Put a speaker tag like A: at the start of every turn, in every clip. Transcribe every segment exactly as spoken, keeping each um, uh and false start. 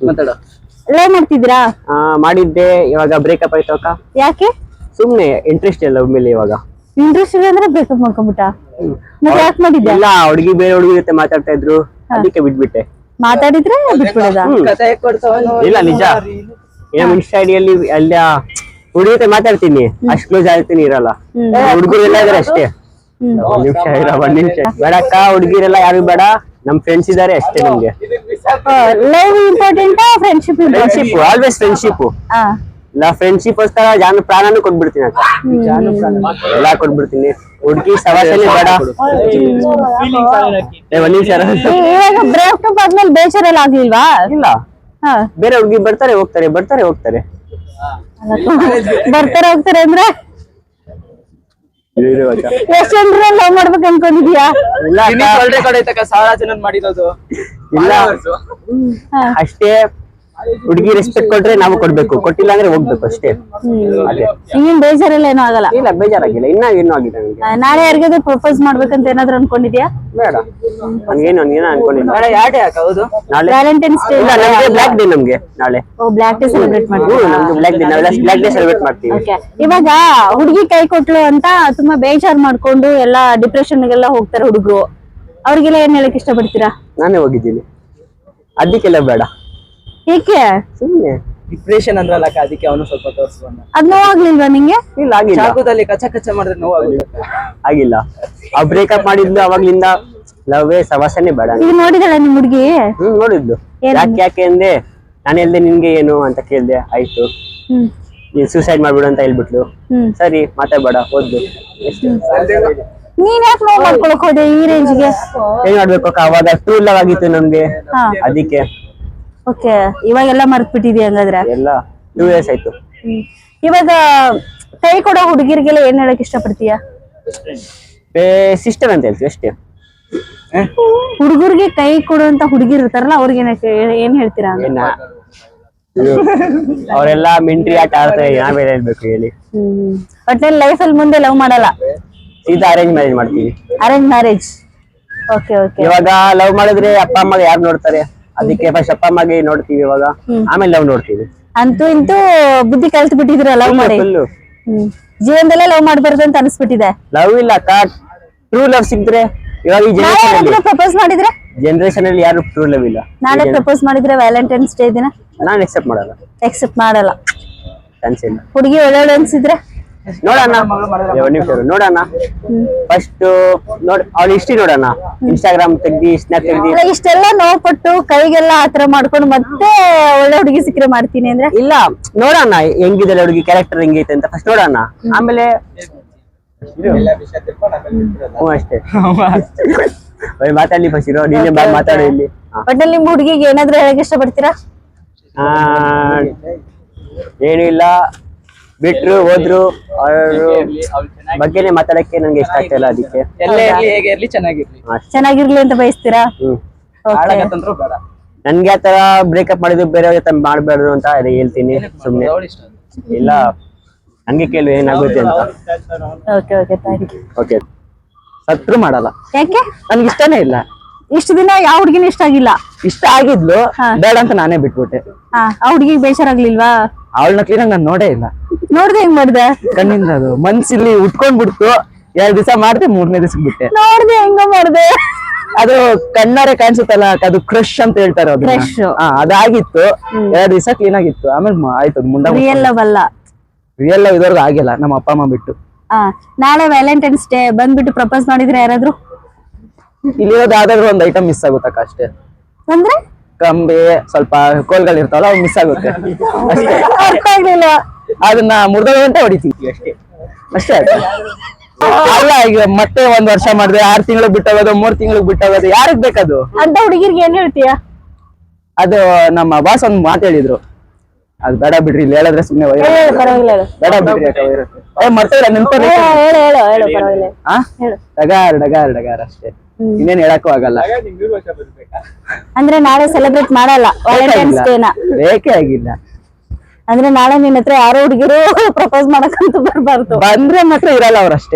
A: ಮಾತಾಡು.
B: ಲವ್ ಮಾಡ್ತಿದ್ರಾ?
C: ಆ ಮಾಡಿದ್ದೆ, ಇವಾಗ ಬ್ರೇಕಪ್ ಆಯ್ತು ಅಕ್ಕ.
B: ಯಾಕೆ?
C: ಸುಮ್ನೆ ಇಂಟ್ರೆಸ್ಟ್ ಇಲ್ಲ ಮೇಲೆ ಇವಾಗ.
B: ಇಂಟ್ರೆಸ್ಟ್ ಇಲ್ಲ ಅಂದ್ರೆ ಬ್ರೇಕಪ್ ಮಾಡ್ಕೊಂಡ್ಬಿಟ್ಟ? ಮತ್ತೆ ಯಾಕೆ ಮಾಡಿದ್ದೆ?
C: ಇಲ್ಲ, ಹುಡುಗಿ ಬೇರೆ ಹುಡುಗಿ ಜೊತೆ ಮಾತಾಡ್ತಾ ಇದ್ರು, ಅದಕ್ಕೆ ಬಿಟ್ಬಿಟ್ಟೆ.
B: ಮಾತಾಡಿದ್ರೆ ಬಿಟ್ಬಿಡೋದ?
C: ಇಲ್ಲ ನಿಜ, ಏನೋ ಇನ್ಸ್ಟಾ ಐಡಿಯಲ್ಲಿ ಎಲ್ಲ ಹುಡುಗಿ ಜೊತೆ ಮಾತಾಡ್ತೀನಿ, ಅಷ್ಟ್ ಕ್ಲೋಸ್ ಆಗ್ತೀನಿ ಇರಲ್ಲ. ಹುಡುಗರು ಎಲ್ಲ ಇದಾರೆ ಅಷ್ಟೇ. ಒಂದ್ ನಿಮಿಷ ಇರ, ಒಂದ್ ನಿಮಿಷ ಬೇಡಕ್ಕ, ಹುಡುಗಿರೆಲ್ಲ ಯಾರು ಬೇಡ, ನಮ್ ಫ್ರೆಂಡ್ಸ್ ಇದಾರೆ ಅಷ್ಟೇ. ನಮ್ಗೆ
B: love important, friendship
C: friendship, always friendship. ಇಲ್ಲ ಫ್ರೆಂಡ್ಶಿಪ್ ಗೋಸ್ಕರ ಜಾನ ಪ್ರಾಣನೂ ಕೊಟ್ಬಿಡ್ತೀನಿ ಅಕ್ಕ, ಎಲ್ಲ ಕೊಟ್ಬಿಡ್ತೀನಿ. ಹುಡುಗಿ ಸವಾಸನೆ ಬೇಡ. ಒಂದ್ ನಿಮಿಷ.
B: ಇವಾಗ ಬ್ರೇಕಪ್ ಆದ್ಮೇಲೆ ಬೇಜಾರೆಲ್ಲ ಆಗ್ಲಿಲ್ವಾ?
C: ಇಲ್ಲ, ಬೇರೆ ಹುಡುಗಿ ಬರ್ತಾರೆ ಹೋಗ್ತಾರೆ, ಬರ್ತಾರೆ ಹೋಗ್ತಾರೆ.
B: ಬರ್ತಾರೆ ಹೋಗ್ತಾರೆ ಅಂದ್ರೆ ಎಷ್ಟು ಜನರ ಲವ್ ಮಾಡ್ಬೇಕು ಅನ್ಕೊಂಡಿದ್ಯಾ?
A: ಸಾವಿರ ಜನ ಮಾಡಿರೋದು
C: ಇಲ್ಲ, ಅಷ್ಟೇ. ಹುಡುಗಿ ರೆಸ್ಪೆಕ್ಟ್ ಕೊಟ್ರೆ ನಾವು ಕೊಡ್ಬೇಕು, ಕೊಟ್ಟಿಲ್ಲ ಅಂದ್ರೆ ಹೋಗ್ಬೇಕು ಅಷ್ಟೇ. ಅದೇ
B: ಹಿಂಗೇನ್ ಬೇಜಾರೆಲ್ಲ ಏನೂ ಆಗಲ್ಲ?
C: ಇಲ್ಲ, ಬೇಜಾರಾಗಿಲ್ಲ, ಇನ್ನ ಏನೂ ಆಗಿದೆ ನನಗೆ.
B: ನಾಳೆ ಯಾರಿಗಾದ್ರೂ ಪ್ರಪೋಸ್ ಮಾಡ್ಬೇಕಂತ ಏನಾದ್ರು ಅನ್ಕೊಂಡಿದ್ಯಾ?
C: ಬೇಡ, ನನ್ಗೇನು ನನ್ಗೇನ ಅನ್ಕೊಂಡಿಲ್ಲ.
A: ಯಾಕೆ ಯಾಕೆ ಹೌದು
C: ನಾಳೆ
B: ವ್ಯಾಲೆಂಟೈನ್ಸ್ ಡೇ.
C: ಇಲ್ಲ, ನಮ್ಗೆ ಬ್ಲಾಕ್ ಡೇ. ನಮ್ಗೆ ನಾಳೆ
B: ಓ, ಬ್ಲಾಕ್ ಡೇ ಸೆಲೆಬ್ರೇಟ್ ಮಾಡ್ತೀವಿ.
C: ನಮ್ಗೆ ಬ್ಲಾಕ್ ಡೇ, ನಾವೆಲ್ಲ ಬ್ಲಾಕ್ ಡೇ ಸೆಲೆಬ್ರೇಟ್ ಮಾಡ್ತೀವಿ.
B: ಓಕೆ, ಇವಾಗ ಹುಡುಗಿ ಕೈ ಕೊಟ್ಲು ಅಂತ ತುಂಬಾ ಬೇಜಾರ್ ಮಾಡ್ಕೊಂಡು ಎಲ್ಲ ಡಿಪ್ರೆಷನ್ ಗೆಲ್ಲ ಹೋಗ್ತಾರೆ ಹುಡುಗರು, ಅವ್ರಿಗೆಲ್ಲ ಏನ್ ಹೇಳಕ್ ಇಷ್ಟಪಡ್ತೀರಾ?
C: ನಾನೇ ಹೋಗಿದ್ದೀನಿ, ಅದಕ್ಕೆಲ್ಲ ಬೇಡ.
B: ಏಕೆ?
C: ಸುಮ್ಮನೆ
A: ಡಿಪ್ರೆಷನ್ ಅಂದ್ರಲ್ಲ, ಅದಕ್ಕೆ ಅವನು ಸ್ವಲ್ಪ ತೋರಿಸ್ಕೊಂಡ.
B: ಅದ್ ನೋವಾಗ್ಲಿಲ್ವಾ ನಿಂಗೆ?
C: ಇಲ್ಲ, ಆಗಿಲ್ಲ.
A: ಚಾಕುದಲ್ಲಿ ಕಚ್ಚ ಕಚ್ಚ ಮಾಡಿದ್ರೆ ನೋವಾಗುತ್ತೆ.
C: ಆಗಿಲ್ಲ, ಆ ಬ್ರೇಕಪ್ ಮಾಡಿದ್ಲು ಅವಾಗ್ಲಿಂದ ಲವ್ವೇ ಸವಾಸನೆ ಬೇಡ.
B: ಈಗ ನೋಡಿದಳ ನಿಮ್ ಹುಡುಗಿ?
C: ಹ್ಮ್, ನೋಡಿದ್ದು. ಯಾಕೆ ಯಾಕೆ ಅಂದೆ, ನಾನು ಹೇಳ್ದೆ ನಿನ್ಗೆ ಏನು ಅಂತ ಕೇಳ್ದೆ, ಆಯ್ತು ನೀನ್ ಸೂಸೈಡ್ ಮಾಡ್ಬಿಡು ಅಂತ ಹೇಳ್ಬಿಟ್ಲು. ಸರಿ ಮಾತಾಡ್ಬೇಡ, ಓದ್ಲು.
B: ನೀನ್ ಯಾಕೆ ನೋವು ಮಾಡ್ಕೊಳಕ್ ಹೋದೆ ಈ ರೇಂಜ್ಗೆ?
C: ಏನ್ ಮಾಡ್ಬೇಕು ಅಕ್ಕ, ಅವಾಗ ಟೂ ಲವ್ ಆಗಿತ್ತು ನಮ್ಗೆ, ಅದಕ್ಕೆ.
B: ಓಕೆ, ಇವಾಗೆಲ್ಲ ಮರ್ತ್ ಬಿಟ್ಟಿದ್ಯಾ ಹಂಗಾದ್ರೆ?
C: ಎಲ್ಲ ಟೂ ಇಯರ್ಸ್ ಆಯ್ತು.
B: ಇವಾಗ ಕೈ ಕೊಡೋ ಹುಡುಗಿರಿಗೆಲ್ಲ ಏನ್ ಹೇಳಕ್ ಇಷ್ಟಪಡ್ತೀಯಾ?
C: ಸಿಸ್ಟರ್ ಅಂತ ಹೇಳ್ತೀವಿ ಅಷ್ಟೇ.
B: ಹುಡುಗರಿಗೆ ಕೈ ಕೊಡುವಂತ ಹುಡುಗಿರ್ ಇರ್ತಾರಲ್ಲ, ಅವ್ರಿಗೆ ಏನ್ ಹೇಳ್ತೀರಾ?
C: ಅವರೆಲ್ಲ ಮಿಂಟ್ರಿ ಆಟ ಆಡ್ತಾರೆ, ನಾವೇನ್ ಹೇಳ್ಬೇಕು ಹೇಳಿ?
B: ಹ್ಮ್, ಒಟ್ನಲ್ಲಿ ಲೈಫ್ ಅಲ್ಲಿ ಮುಂದೆ ಲವ್ ಮಾಡಲ್ಲ,
C: ಸೀದಾ ಅರೇಂಜ್ ಮ್ಯಾರೇಜ್ ಮಾಡ್ತೀವಿ.
B: Arrange marriage. Okay okay.
C: ಇವಾಗ ಲವ್ ಮಾಡಿದ್ರೆ ಅಪ್ಪ ಅಮ್ಮಗೆ ಯಾರು ನೋಡ್ತಾರೆ, ಅದಕ್ಕೆ ಫಸ್ಟ್ ಅಪ್ಪ ಅಮ್ಮಗೆ ನೋಡ್ತೀವಿ, ಇವಾಗ ಆಮೇಲೆ ಲವ್ ನೋಡ್ತೀವಿ.
B: ಅಂತೂ ಇಂತೂ ಬುದ್ಧಿ ಕಲ್ತ್ ಬಿಟ್ಟಿದ್ರ ಲವ್ ಮಾಡಿ. ಹ್ಮ್, ಜೀವನದಲ್ಲೇ ಲವ್ ಮಾಡ್ಬಾರ್ದು ಅಂತ ಅನ್ಸ್ಬಿಟ್ಟಿದೆ.
C: ಲವ್ ಇಲ್ಲ ಅಕ್ಕ, ಟ್ರೂ ಲವ್ ಸಿಕ್ಕಿದ್ರೆ. ಇವಾಗ ಈ ಜನರೇಷನ್
B: ಪ್ರಪೋಸ್ ಮಾಡಿದ್ರೆ
C: ಜನರೇಷನ್ ಅಲ್ಲಿ ಯಾರು ಟ್ರೂ ಲವ್ ಇಲ್ಲ.
B: ನಾಳೆ ಪ್ರಪೋಸ್ ಮಾಡಿದ್ರೆ ವ್ಯಾಲೆಂಟೈನ್ಸ್ ಡೇ ದಿನ
C: ನಾನು ಎಕ್ಸೆಪ್ಟ್ ಮಾಡಲ್ಲ.
B: ಎಕ್ಸೆಪ್ಟ್ ಮಾಡಲ್ಲ?
C: ಚಾನ್ಸ್ ಇಲ್ಲ.
B: ಹುಡುಗಿ ಒಳ್ಳೆ ಅನ್ಸಿದ್ರೆ
C: ನೋಡೋಣ, ಒಂದ್ ನಿಮಿಷ ನೋಡೋಣ. ಫಸ್ಟ್ ನೋಡ್ ಅವ್ಳ ಹಿಸ್ಟ್ರಿ ನೋಡೋಣ, ಇನ್ಸ್ಟಾಗ್ರಾಮ್ ತೆಗ್ದಿ, ಸ್ನ್ಯಾಪ್ ತೆಗ್ದಿ.
B: ಇಷ್ಟೆಲ್ಲ ನೋವು ಪಟ್ಟು ಕೈಗೆಲ್ಲ ಆತರ ಮಾಡ್ಕೊಂಡು ಮತ್ತೆ ಒಳ್ಳೆ ಹುಡುಗಿ ಸಿಕ್ಕರೆ ಮಾಡ್ತೀನಿ ಅಂದ್ರೆ?
C: ಇಲ್ಲ, ನೋಡೋಣ ಹೆಂಗಿದೆ ಹುಡುಗಿ, ಕ್ಯಾರೆಕ್ಟರ್ ಹೆಂಗೈತೆ ಅಂತ ಫಸ್ಟ್ ನೋಡೋಣ, ಆಮೇಲೆ ಹ್ಞೂ ಅಷ್ಟೇ. ಮಾತಾಡ್ಲಿ ಫಸ್ಟ್ ಇರೋ, ನೀನೇ ಬಾಯ್ ಮಾತಾಡೋ ಇಲ್ಲಿ.
B: ಒಟ್ಟಲ್ಲಿ ನಿಮ್ ಹುಡುಗಿಗೆ ಏನಾದ್ರು ಹೇಳಕ್ ಇಷ್ಟಪಡ್ತೀರಾ?
C: ಆ ಏನು ಇಲ್ಲ, ಬಿಟ್ರು ಹೋದ್ರು, ಅವ್ರ ಬಗ್ಗೆನೆ ಮಾತಾಡಕ್ಕೆ ನಂಗೆ ಇಷ್ಟ ಆಗ್ತಾ ಇಲ್ಲ, ಅದಕ್ಕೆ.
B: ಚೆನ್ನಾಗಿರ್ಲಿ ಅಂತ ಬಯಸ್ತೀರಾ?
C: ಹ್ಮ್, ನನ್ಗೆ ಆತರ ಬ್ರೇಕಪ್ ಮಾಡಿದ್ರು ಬೇರೆಯವ್ರ ಜೊತೆ ಮಾಡ್ಬೇಡ್ದು ಅಂತ ಅದೇ ಹೇಳ್ತೀನಿ. ಸುಮ್ನೆ ಇಲ್ಲ, ಹಂಗೆ ಕೇಳು ಏನಾಗುತ್ತೆ ಅಂತ.
B: Okay okay, thank you.
C: Okay, ಸತ್ರು ಮಾಡಲ್ಲ.
B: ಯಾಕೆ?
C: ನನ್ಗೆ ಇಷ್ಟನೇ ಇಲ್ಲ.
B: ಇಷ್ಟು ದಿನ ಯಾವ ಹುಡುಗಿನ ಇಷ್ಟ ಆಗಿಲ್ಲ?
C: ಇಷ್ಟ ಆಗಿದ್ಲು, ಬೇಡ ಅಂತ ನಾನೇ ಬಿಟ್ಬಿಟ್ಟೆ.
B: ಹಾ, ಆ ಹುಡುಗಿಗೆ ಬೇಜಾರಾಗ್ಲಿಲ್ವಾ?
C: ಅವಳನ್ನ ಕ್ಲೀನ್ ನಾನು ನೋಡೇ ಇಲ್ಲ.
B: ನೋಡ್ದೆ ಹೆಂಗ್ ಮಾಡ್ದೆ?
C: ಕಣ್ಣಿಂದ ಅದು ಮನ್ಸಿಲ್ಲಿ ಉಟ್ಕೊಂಡ್ ಬಿಡ್ತು. ಎರಡ್ ದಿವಸ ಮಾಡ್ದೆ, ಮೂರನೇ ದಿವಸಕ್ಕೆ ಬಿಟ್ಟೆ.
B: ನೋಡ್ದೆ ಹೆಂಗ ಮಾಡ್ದೆ?
C: ಅದು ಕಣ್ಣಾರೆ ಕಾಣಿಸುತ್ತಲ್ಲ, ಅದು ಕ್ರಶ್ ಅಂತ ಹೇಳ್ತಾರೆ, ಅದು ಅದಾಗಿತ್ತು. ಎರಡ್ ದಿವಸ ಕ್ಲೀನ್ ಆಗಿತ್ತು, ಆಮೇಲೆ ಆಯ್ತು ಮುಂಡ.
B: ರಿಯಲ್ ಲವ್ ಅಲ್ಲ,
C: ರಿಯಲ್ ಲವ್ ಇದ್ರದ್ದು ಆಗಿಲ್ಲ, ನಮ್ಮ ಅಪ್ಪ ಅಮ್ಮ ಬಿಟ್ಟು.
B: ಹಾ, ನಾಳೆ ವ್ಯಾಲೆಂಟೈನ್ಸ್ ಡೇ ಬಂದ್ಬಿಟ್ಟು ಪ್ರಪೋಸ್ ಮಾಡಿದ್ರೆ ಯಾರಾದ್ರು?
C: ಇಲ್ಲಿರೋದು ಯಾವ್ದಾದ್ರು ಒಂದ್ ಐಟಮ್ ಮಿಸ್ ಆಗುತ್ತಕ್ಕ ಅಷ್ಟೇ.
B: ಅಂದ್ರೆ
C: ಕಂಬಿ, ಸ್ವಲ್ಪ ಕೋಲ್ಗಳು ಇರ್ತಾವಲ್ಲ, ಅವು ಮಿಸ್ ಆಗುತ್ತೆ ಅಷ್ಟೇ.
B: ಅರ್ಥ ಆಗ್ಲಿಲ್ಲ.
C: ಅದನ್ನ ಮುರ್ದ ಗಂಟೆ ಹೊಡಿತೀವಿ ಅಷ್ಟೇ, ಅಷ್ಟೇ. ಅಲ್ಲ, ಈಗ ಮತ್ತೆ ಒಂದ್ ವರ್ಷ ಮಾಡಿದ್ರೆ ಆರ್ ತಿಂಗಳು ಬಿಟ್ಟೋಗೋದು, ಮೂರ್ ತಿಂಗಳಿಗೆ ಬಿಟ್ಟೋಗೋದು, ಯಾರಿಗ್ ಬೇಕದು?
B: ಅಂತ ಹುಡುಗಿರ್ಗೆ ಏನ್ ಹೇಳ್ತೀಯಾ?
C: ಅದು ನಮ್ಮ ಬಾಸ್ ಒಂದ್ ಮಾತು ಹೇಳಿದ್ರು, ಅದ್ ಬೇಡ ಬಿಡ್ರಿ, ಇಲ್ಲಿ ಹೇಳಿದ್ರೆ ಸುಮ್ನೆ
B: ಪರವಾಗಿಲ್ಲ,
C: ಬೇಡ ಬಿಡ್ರಿ. ಮರ್ತೇಲ್ಲ ನೆನ್ಪ ಡಗಾರ್ ಡಗಾರ್ ಡಗಾರ್ ಅಷ್ಟೇ, ಇನ್ನೇನ್ ಹೇಳಕ್ಕೂ ಆಗಲ್ಲ.
B: ಅಂದ್ರೆ ನಾಳೆ ಸೆಲೆಬ್ರೇಟ್ ಮಾಡಲ್ಲ ವ್ಯಾಲೆಂಟೈನ್ಸ್ ಡೇನ?
C: ಬೇಕೇ ಆಗಿಲ್ಲ.
B: ಅಂದ್ರೆ ನಾಳೆ ನಿನ್ನ ಹತ್ರ ಯಾರೋ ಹುಡುಗಿರು ಪ್ರಪೋಸ್ ಮಾಡಕ್ಕಂತ ಬರ್ಬಾರ್ದು.
C: ಬಂದ್ರೆ ಮಾತ್ರ ಇರಲ್ಲ ಅವ್ರಷ್ಟೇ.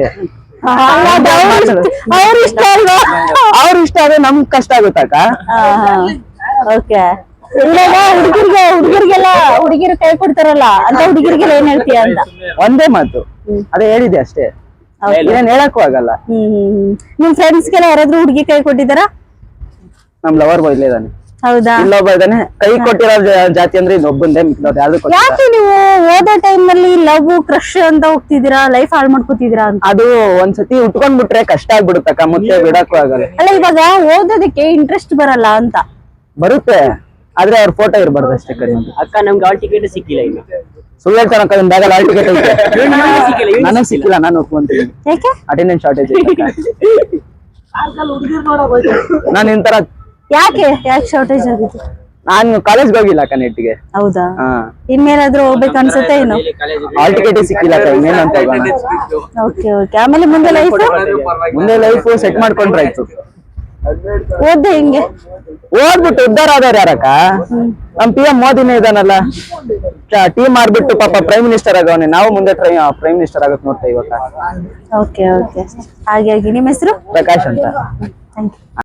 B: ಅವ್ರ ಇಷ್ಟ ಅಲ್ವಾ?
C: ಅವ್ರ ಇಷ್ಟ ಆದ್ರೆ ನಮ್ಗ್ ಕಷ್ಟ ಆಗುತ್ತಕ್ಕ.
B: ಓಕೆ, ಇವಾಗ ಹುಡುಗರಿಗೆ ಹುಡುಗರಿಗೆಲ್ಲ ಹುಡುಗಿರು ಕೈ ಕೊಡ್ತಾರಲ್ಲ ಅಂತ ಹುಡುಗಿರಿಗೆಲ್ಲ ಏನ್ ಹೇಳ್ತೀಯ ಅಂತ.
A: ಒಂದೇ ಮಾತು ಅದೇ ಹೇಳಿದೆ ಅಷ್ಟೇ, ಏನ್ ಹೇಳಕ್ಕೂ ಆಗಲ್ಲ.
B: ಹ್ಮ್ ಹ್ಮ್ ಹ್ಮ್ ನಿಮ್ ಫ್ರೆಂಡ್ಸ್ಗೆಲ್ಲ ಯಾರಾದ್ರೂ ಹುಡುಗಿ ಕೈ ಕೊಟ್ಟಿದಾರ?
A: ನಮ್ ಲವರ್ ಬಾಯ್ ಇದ್ದಾನೆ,
B: ಹೌದಾ?
A: ಇಲ್ಲೊಬ್ಬ ಇದ್ದಾನೆ. ಕೈ ಕೊಟ್ಟಿರೋ ಜಾ- ಜಾತಿ ಅಂದ್ರೆ ಇನ್ನೊಬ್ಬಂದೇ, ಮಿಕ್ಕಿದವ್ರು ಯಾವ್ದು ಕೊಟ್ಟಿಲ್ಲ.
B: ಯಾಕೆ ನೀವು ಓದೋ ಟೈಮ್ ನಲ್ಲಿ ಲವ್ ಕ್ರಶ್ ಅಂತ ಹೋಗ್ತಿದ್ದೀರಾ, ಲೈಫ್ ಹಾಳು ಮಾಡ್ಕೋತಿದ್ದೀರಾ ಅಂತ?
A: ಅದು ಒಂದ್ಸತಿ ಉಟ್ಕೊಂಡ್ಬಿಟ್ರೆ ಕಷ್ಟ ಆಗ್ಬಿಡುತ್ತಕ್ಕ, ಮತ್ತೆ ಬಿಡಕ್ಕೂ ಆಗಲ್ಲ.
B: ಅಲ್ಲ ಇವಾಗ ಓದೋದಕ್ಕೆ ಇಂಟ್ರೆಸ್ಟ್ ಬರಲ್ಲ ಅಂತ.
A: ಬರುತ್ತೆ, ಆದ್ರೆ ಅವ್ರ ಫೋಟೋ ಇರ್ಬಾರ್ದು ಅಷ್ಟೇ ಕಡಿಮೆ.
C: ಅಕ್ಕ ನಮ್ಗೆ ಹಾಲ್ ಟಿಕೆಟ್ ಸಿಕ್ಕಿಲ್ಲ ಈಗ.
A: ಸುಳ್ಳು ಹೇಳ್ತಾನಕ್ಕ, ನಿಮ್ ಬ್ಯಾಗಲ್ಲಿ ಹಾಲ್ ಟಿಕೆಟ್ ಐತೆ.
C: ಸಿಕ್ಕಿಲ್ಲ, ಇವ್ನಿಗೆ
A: ನನಗ್ ಸಿಕ್ಕಿಲ್ಲ, ನಾನು ಒಪ್ಕೊಂತೀನಿ.
B: ಯಾಕೆ?
A: ಅಟೆಂಡೆನ್ಸ್ ಶಾರ್ಟೇಜ್ ನಾನು ಇಂತರ
B: ಯಾಕೆ ಯಾಕೆ ಶಾರ್ಟೇಜ್ ಆಗಿತ್ತು?
A: ನಾನು ಕಾಲೇಜ್ಗೆ ಹೋಗಿಲ್ಲ ಅಕ್ಕ ನೆಟ್ಟಿಗೆ.
B: ಹೌದಾ?
A: ಹಾ,
B: ಇನ್ಮೇಲಾದ್ರೂ ಹೋಗ್ಬೇಕು ಅನ್ಸುತ್ತೆ ಏನು?
A: ಹಾಲ್ ಟಿಕೆಟ್ ಸಿಕ್ಕಿಲ್ಲ ಅಕ್ಕ, ಇನ್ನೇನಂತ ಹೋಗೋಣ.
B: ಓಕೆ ಓಕೆ ಆಮೇಲೆ ಮುಂದೆ ಲೈಫ್
A: ಮುಂದೆ ಲೈಫ್ ಸೆಟ್ ಮಾಡ್ಕೊಂಡ್ರೆ ಆಯ್ತು.
B: ಓದ್ದೆ ಹಿಂಗೆ
A: ಓದ್ಬಿಟ್ಟು ಉದ್ದಾರ ಆದವ್ರು ಯಾರಕ್ಕ? ನಮ್ ಪಿ ಎಂ ಮೋದಿನೇ ಇದಾನಲ್ಲ, ಟೀಮ್ ಮಾಡ್ಬಿಟ್ಟು ಪಾಪ ಪ್ರೈಮ್ ಮಿನಿಸ್ಟರ್ ಆಗವನೆ. ನಾವು ಮುಂದೆ ಪ್ರೈಮ್ ಮಿನಿಸ್ಟರ್ ಆಗಕ್ ನೋಡ್ತಾ ಇವಾಗ.
B: ಓಕೆ ಓಕೆ ಹಾಗಾಗಿ ನಿಮ್ಮ ಹೆಸರು?
A: ಪ್ರಕಾಶ್ ಅಂತ.
B: Thank you.